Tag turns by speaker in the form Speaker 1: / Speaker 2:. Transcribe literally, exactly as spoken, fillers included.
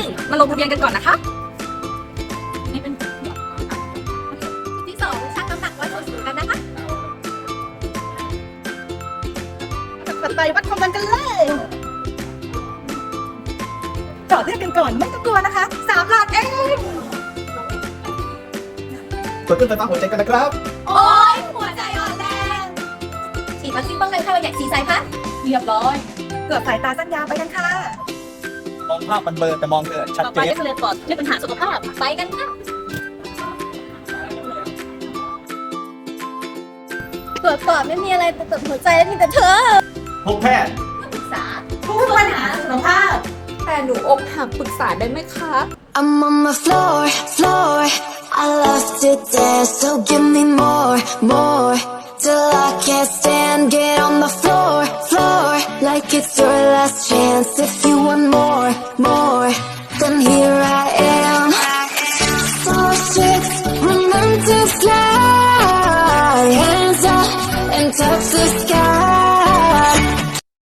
Speaker 1: นึ่งมาลงทะเบียนกันก่อนนะคะที่สองชั่งน้ำหนักวัดส่วนสูงกันนะคะตัดไปวัดความดันกันเลยจอดเลือดกันก่อนไม่ต้องกลัวนะคะสามหลอดเอง
Speaker 2: กดเครื่องไฟฟ้าหัวใจกันนะครับ
Speaker 1: โอ๊ยหัวใจอ่อนแรงฉีดวัคซีนป้องกันไข้หวัดใหญ่สีสายพันธุ์เรียบร้อยเกือบสายตาสั้นยาวไปกันค่ะ
Speaker 2: มองภาพมันเบลอแต่มองเกิดชัดเจน
Speaker 1: ต่อไปก็คือเรียนปอดด้วยปัญหาสุขภาพไปกันค่ะตรวจปอดไม่มีอะไรแต่ตรวจหัวใจแล้วมีแต่เธอ
Speaker 2: พบแพทย์
Speaker 1: ปรึกษาทุกปัญหาสุขภาพแต่หนูอกหักปรึกษาได้ไหมคะ
Speaker 3: I'm on my floor, floor. I love to dance, so give me more, more. Till I can't stand, get on the floor, floor. Like it's your last chance.